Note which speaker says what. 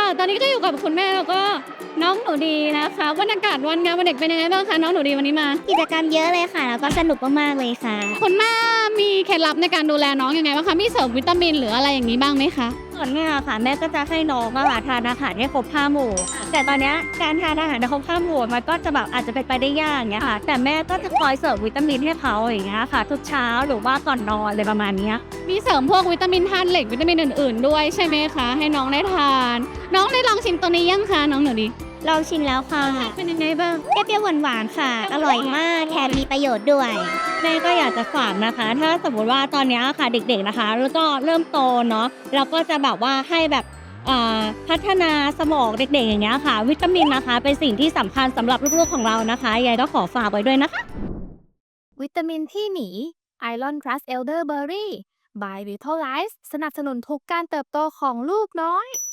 Speaker 1: ตอนนี้ก็อยู่กับคุณแม่แล้วก็น้องหนูดีนะคะบรรยากาศวันงานวันเด็กเป็นยังไงบ้างคะน้องหนูดีวันนี้มา
Speaker 2: กิจกรรมเยอะเลยค่ะแล้วก็สนุกมากๆเลยค่ะ
Speaker 1: คุณแม่มีเคล็ดลับในการดูแลน้องยังไงบ้างคะมีเสริมวิตามินหรืออะไรอย่างนี้บ้างไหมคะ
Speaker 2: ส่วนแม่อะค่ะแม่ก็จะให้น้องอะค่ะทานอาหารให้ครบ5หมู่แต่ตอนเนี้ยการทานอาหารให้ครบ5หมู่มันก็จะแบบอาจจะเป็นไปได้ยากอย่างเงี้ยค่ะแต่แม่ก็จะคอยเสริมวิตามินให้เขาอย่างเงี้ยค่ะทุกเช้าหรือว่าก่อนนอนอะไรประมาณเนี้ย
Speaker 1: มีเสริมพวกวิตามินธาตุเหล็กวิตามินอื่นๆด้วยใช่ไหมคะให้น้องได้ทานน้องได้ลองชิมตัวนี้ยังคะน้องหนูดี
Speaker 2: ลองชิมแล้วค่ะ
Speaker 1: เป็นยังไงบ้าง
Speaker 2: เปรี้ยวๆหวานๆค่ะอร่อยมากแถมมีประโยชน์ด้วยแม่ก็อยากจะฝากนะคะถ้าสมมติว่าตอนเนี้ยค่ะเด็กๆนะคะแล้วก็เริ่มโตเนาะเราก็จะแบบว่าให้แบบพัฒนาสมองเด็กๆอย่างเงี้ยค่ะวิตามินนะคะเป็นสิ่งที่สำคัญสำหรับลูกๆของเรานะคะยายก็ขอฝากไว้ด้วยนะคะ
Speaker 3: วิตามินที่หนี Iron Plus Elderberry by Vitalize สนับสนุนทุกการเติบโตของลูกน้อย